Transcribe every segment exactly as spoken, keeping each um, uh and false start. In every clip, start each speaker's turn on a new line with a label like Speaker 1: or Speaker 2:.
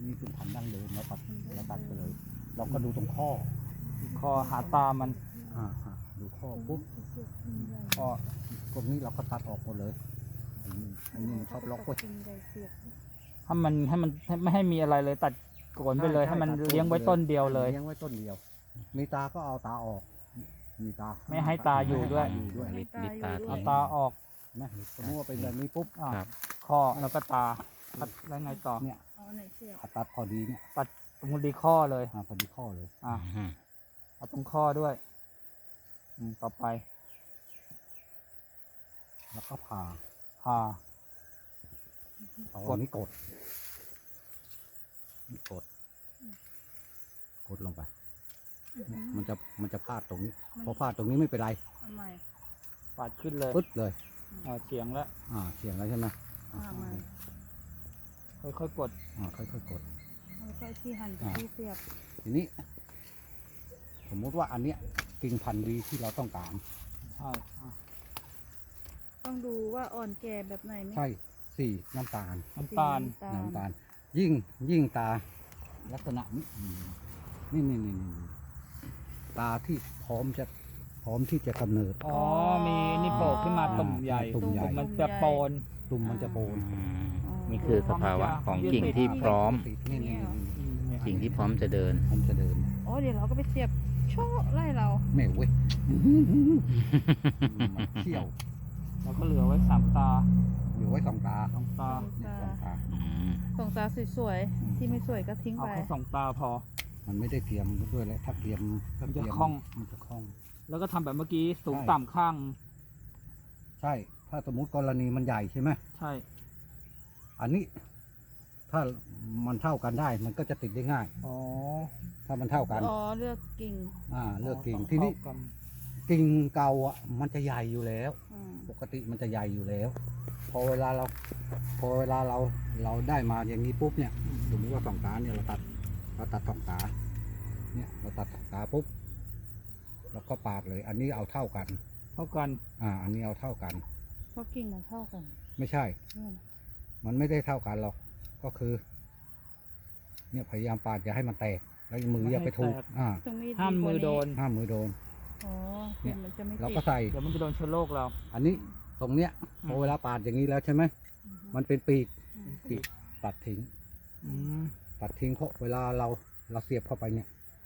Speaker 1: นี่เป็นพันธุ์ดั้งเดิมเราตัดเราตัดไปเลยเราก็ดูตรงข้อ
Speaker 2: คอหาตามัน
Speaker 1: อ่าฮะดูข้อปุ๊บ
Speaker 2: ก็
Speaker 1: พวกนี้เราก็ตัดออกหมดเลยไอ้นี่ไอ้นี่มันชอบล็อกไว้
Speaker 2: ให้มันให้มันไม่ให้มีอะไรเลยตัดโกนไปเลยให้มันเลี้ยงไว้ต้นเดียวเลย
Speaker 1: เลี้ยงไว้ต้นเดียว มีตาก็เอาตาออก มีตา
Speaker 2: ไม่ให้ตาอยู่ด้วย
Speaker 1: อยู่ด้วย
Speaker 3: ลิดลิดตา
Speaker 2: เอา
Speaker 3: ทิ้ง
Speaker 2: ตาออก
Speaker 1: นะสมมติว่าเป็นแบบนี้ปุ๊บ
Speaker 2: อ่ะ
Speaker 3: ครับ
Speaker 2: ข้อแล้วก็ตาตัดแล้วไงต่อ
Speaker 1: เนี่ย
Speaker 4: เอาไหนเสียบ
Speaker 1: ตัดพอดีเนี่ย
Speaker 2: ตัดตรงดีข้อเลย
Speaker 1: อ่าพอดีข้อเลย
Speaker 2: อ่ะ
Speaker 3: อืม
Speaker 2: เอาตรงข้อด้วยอืมต่อไป
Speaker 1: แล้วก็ผ่า
Speaker 2: ผ่า
Speaker 1: เอา
Speaker 2: กด
Speaker 1: อันนี้กดนี่กด กดลงไปเนี่ยมันจะมันจะพลาดตรงนี้ พอพลาดตรงนี้ไม่เป็นไร
Speaker 4: ทำไม
Speaker 2: ปาดขึ้นเลย
Speaker 1: ปึ๊ดเลย
Speaker 2: อ่าเฉียงแล้ว
Speaker 1: อ่าเฉียงแล้วใช่ไหม
Speaker 4: ทำไม
Speaker 2: ค่อยๆกด
Speaker 1: อ่าค่อยๆกด
Speaker 4: แล้วก็ที่หั่นกับที่เสียบ
Speaker 1: ทีนี้ สมมุติว่าอันเนี้ยกิ่งพันธุ์ดีที่เราต้องการ
Speaker 2: ใช่อ่ะ
Speaker 4: ต้องดูว่าอ่อนแก่แบบไหนไหม
Speaker 1: ใช่สี่น้ำตาล
Speaker 2: น้ำตาล
Speaker 4: สี
Speaker 1: น้ำตาล ยิ่งยิ่งตา ลักษณะนี้นี่นี่นี่นี่ตาที่พร้อมจะพร้อมที่จะกำเนิด
Speaker 2: อ๋อมีนี่โผล่ขึ้นมาตุ่มใหญ่
Speaker 1: ตุ่มใหญ่
Speaker 2: มันจะโปน
Speaker 1: ตุ่มมันจะโปน
Speaker 3: อืม
Speaker 4: อ๋อ
Speaker 3: นี่คือสภาวะของกิ่งที่พร้อม
Speaker 1: ติดนี่นี่นี่
Speaker 2: อืมเนี่ย
Speaker 3: กิ่งที่พร้อมจะเดิน
Speaker 1: พร้อมจะเดิน
Speaker 4: โอ้เดี๋ยวเราก็ไปเสียบโชะไล่เรา
Speaker 1: แม่เว้ยมันเที่ยว
Speaker 2: แล้วก็เหลือไว้สามตา
Speaker 1: อยู่ไว้สองตา
Speaker 2: สองตา
Speaker 1: เนี่ยสองตา
Speaker 3: อืม
Speaker 4: ส่งตาสวยๆที่ไม่สวยก็ทิ้ง
Speaker 2: เอา
Speaker 4: ไป
Speaker 2: แค่สองตาพอ
Speaker 1: มันไม่ได้เตรียมด้วยแล้วถ้าเตรียมถ้าเตรีย
Speaker 2: มันจะคล่อง
Speaker 1: มันจะคล่อง
Speaker 2: แล้วก็ทำแบบเมื่อกี้สูง
Speaker 1: ใช่
Speaker 2: ต่ำข้าง
Speaker 1: ใช่ ถ้าสมมุติกรณีมันใหญ่ใช่ไหม
Speaker 2: ใช่
Speaker 1: อันนี้ ถ้ามันเท่ากันได้ มันก็จะติดได้ง่าย
Speaker 2: อ๋อ
Speaker 1: ถ้ามันเท่ากัน
Speaker 4: อ๋อเลือกกิ่ง
Speaker 1: อ่า เลือกกิ่ง
Speaker 2: ต้
Speaker 1: ทีนี้
Speaker 2: เท่ากัน
Speaker 1: กิ่งเก่าอ่ะ มันจะใหญ่อยู่แล้ว
Speaker 4: อืม
Speaker 1: ปกติมันจะใหญ่อยู่แล้ว พอเวลาเรา พอเวลาเราเราได้มาอย่างนี้ปุ๊บเนี่ยสมมติว่าสองตาเนี่ยเราตัดเราตัดสองตา เนี่ยเราตัดสองตาปุ๊บเราก็ปาดเลย อันนี้เอาเท่ากัน
Speaker 2: เท่ากัน
Speaker 1: อ่า อันนี้เอาเท่ากัน
Speaker 4: เพราะกิ่งมันเท่ากัน
Speaker 1: ไม่ใช่
Speaker 4: อืม
Speaker 1: มันไม่ได้เท่ากันหรอก ก็คือ เนี่ยพยายามปาดอย่าให้มันแตก แล้วมืออย่าไปถูก อ่า
Speaker 4: ตรงนี้
Speaker 2: ห้ามมือโดน
Speaker 1: ห้ามมือโดน
Speaker 4: อ๋อ
Speaker 1: เนี่ย
Speaker 4: มันจะไม่
Speaker 1: เรา
Speaker 4: ติด
Speaker 1: ก็ใส่
Speaker 2: เดี๋ยวมันจะโดนเชื้อโรคเรา
Speaker 1: อันนี้ตรงเนี้ย
Speaker 2: อืม
Speaker 1: พอเวลาปาดอย่างนี้แล้วใช่ไหม
Speaker 4: อืม
Speaker 1: มันเป็นปีก
Speaker 4: อืม
Speaker 1: ปีกตัดทิ้ง
Speaker 2: อืม
Speaker 1: ตัดทิ้งเพราะเวลาเราเราเสียบเข้าไปเนี่ย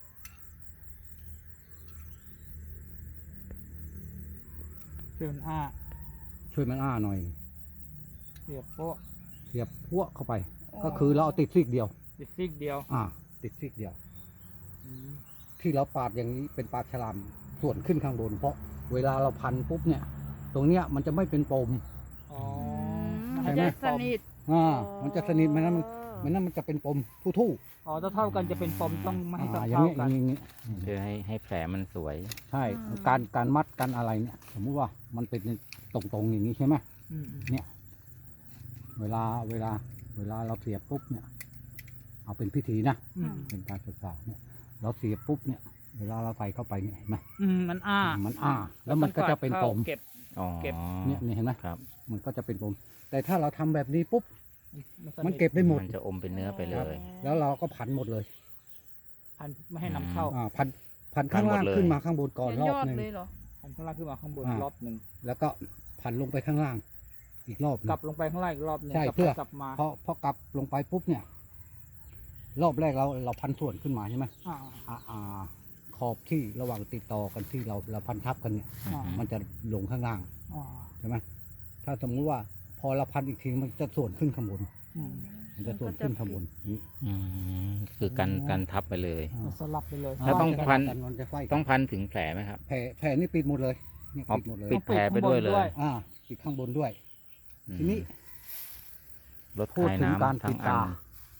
Speaker 2: ช่วยมันอ้า
Speaker 1: ช่วยมันอ้าหน่อย
Speaker 2: เสียบโป๊ะ
Speaker 1: เสียบพวกเข้าไป ก็คือเราเอาติดซีกเดียว
Speaker 2: ติดซิกเดียว
Speaker 1: อ่า ติดซีกเดียว
Speaker 2: อืม
Speaker 1: ที่เราปาดอย่างนี้เป็นปาดฉลามส่วนขึ้นข้างบน เพราะเวลาเราพันปุ๊บเนี่ย ตรงเนี้ยมันจะไม่เป็นปม
Speaker 2: อ๋อ
Speaker 4: มั
Speaker 1: ใช่
Speaker 4: น
Speaker 1: ไหม
Speaker 4: จะสนิท
Speaker 1: อ่า มันจะสนิทไหมนั้นมัน
Speaker 4: อ๋อ
Speaker 1: ไม่นั้นมันจะเป็นปมทู่
Speaker 2: อ๋อถ้าเท่ากันจะเป็นปมต้องไม่
Speaker 1: ๆ
Speaker 2: ให้
Speaker 1: อ่า
Speaker 2: เท่า
Speaker 1: อย่างนี้อ
Speaker 2: กั
Speaker 1: ย่าน งนี้อย่างนี้
Speaker 3: เพื่อให้ให้แผลมันสวย
Speaker 1: ใช่ การการมัดการอะไรเนี่ย สมมุติว่ามันเป็นตรงๆอย่างนี้ใช่ไหม
Speaker 2: อืม
Speaker 1: เวลาเวลา เวลาเราเสียบปุ๊บเนี่ย เอาเป็นพิธีนะ
Speaker 2: อืม
Speaker 1: เป็นการศึกษาเนี่ย เราเสียบปุ๊บเนี่ย เวลาเราใส่เข้าไปเนี่ยเห็นไหม
Speaker 2: อืมมันอ้า
Speaker 1: มันอ้า แล้วมันก็จะเป็นปม
Speaker 2: เก็บ
Speaker 3: อ๋อ
Speaker 2: เก็บ
Speaker 1: เนี่ยนี่เห็นไหม
Speaker 3: ครับ
Speaker 1: มันก็จะเป็นปม แต่ถ้าเราทำแบบนี้ปุ๊บ
Speaker 2: ส
Speaker 1: มันเก็บได้หมด
Speaker 3: มันจะอมเป็นเนื้อไปเลย
Speaker 1: แล้วเราก็พันหมดเลย
Speaker 2: พันไม่ให้นำเข้า
Speaker 1: อ่า พัน พันข้างล่าง
Speaker 3: พันหมดเลย
Speaker 1: ขึ้นมาข้างบนก่อน
Speaker 4: เป็น
Speaker 1: รอย บ
Speaker 4: อด
Speaker 1: หนึ่ง
Speaker 4: เลยเหรอ
Speaker 2: พันข้างล่างขึ้นมาข้างบน
Speaker 1: อ่าร
Speaker 2: รอบหนึ่ง
Speaker 1: แล้วก็พันลงไปข้างล่าง อีกรอบหนึ่ง
Speaker 2: กลับลงไปข้างล่างอีกรอบหนึ่ง
Speaker 1: ใช่
Speaker 2: กลับ
Speaker 1: เพื่อ
Speaker 2: ไปกลับมา
Speaker 1: พอพอกลับลงไปปุ๊บเนี่ย รอบแรกเราเราพันส่วนขึ้นมาใช่ไหม
Speaker 2: อ่า
Speaker 1: อ่าอ่าขอบที่ระหว่างติดต่อกันที่เราเราพันทับกันเนี่ย
Speaker 2: อ่า
Speaker 1: มันจะลงข้างล่าง
Speaker 2: อ่า
Speaker 1: ใช่ไหมถ้าสมมุติว่าพอเราพันอีกทีมันจะส่วนขึ้นข้างบน
Speaker 2: อืม
Speaker 1: มันจะส่วนขึ้นข้างบนนี่
Speaker 3: อืมคือกันกันทับไปเลย
Speaker 1: อ่า
Speaker 2: มันสลับไปเลย
Speaker 3: แล้วต้อง พัน
Speaker 1: กัมันจะไฟกัน
Speaker 3: ต้องพันถึงแผลไหมครับ
Speaker 1: แผลแผลนี่ปิดหมดเลยเนี่ย
Speaker 3: อ๋อ
Speaker 1: ปิดหมดเลย
Speaker 3: ปิดแผลไปด้วยเลย
Speaker 1: อ่าปิดข้างบนด้วย
Speaker 3: อืม
Speaker 1: ทีนี้
Speaker 3: ลด
Speaker 1: พูด
Speaker 3: คาย
Speaker 1: ถึงการ
Speaker 3: น้ำทั้
Speaker 1: ปิ
Speaker 3: ง
Speaker 1: ด
Speaker 3: อั
Speaker 1: ตา
Speaker 3: น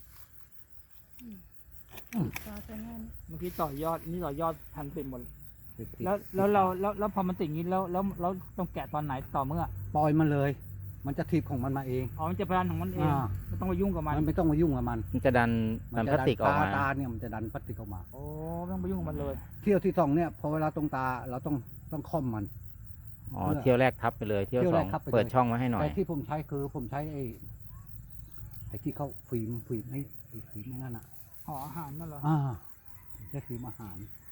Speaker 4: ตาจะแน่น
Speaker 2: เมื่อกี้ต่อยอดนี่ต่อยอดพันเป็นหมด
Speaker 1: ปิดติด
Speaker 2: แล้วแล้วเราแล้วแล้วพอมันติดอย่างนี้แล้วแล้วแล้วต้องแกะตอนไหนต่อเมื่อ
Speaker 1: ปล่อยมันเลย มันจะถีบของมันมาเอง
Speaker 2: อ๋อมันจะพันของมันเอง
Speaker 1: อ่า
Speaker 2: ไม่ต้องไปยุ่งกับมัน
Speaker 1: มันไม่ต้องมายุ่งกับมัน
Speaker 3: มันจะดันดันพลาสติกออกมา
Speaker 1: ตาเนี่ยมันจะดันพลาสติกออกมา
Speaker 2: โอ้ไม่ต้องไปยุ่งกับมันเลย
Speaker 1: เที่ยวที่สองเนี่ยพอเวลาตรงตาเราต้องต้องค่อมมัน
Speaker 3: อ๋อ
Speaker 1: เพื่อ
Speaker 3: เที่ยวแรกทับไปเลย เที่ยว
Speaker 1: เที่ยว
Speaker 3: ส
Speaker 1: แร
Speaker 3: อก ง
Speaker 1: ทับไปเลย
Speaker 3: เปิดช่องไว้ให้หน่อย
Speaker 1: แต่ที่ผมใช้คือผมใช้ไอ้ไอ้ที่เขาฟิล์มฟิล์มให้ไอ้ครีมไอ้นั่นอ่ะ
Speaker 2: ห่ออาหารนั่นเหรอ
Speaker 1: อ่าแค่ครีมอาหาร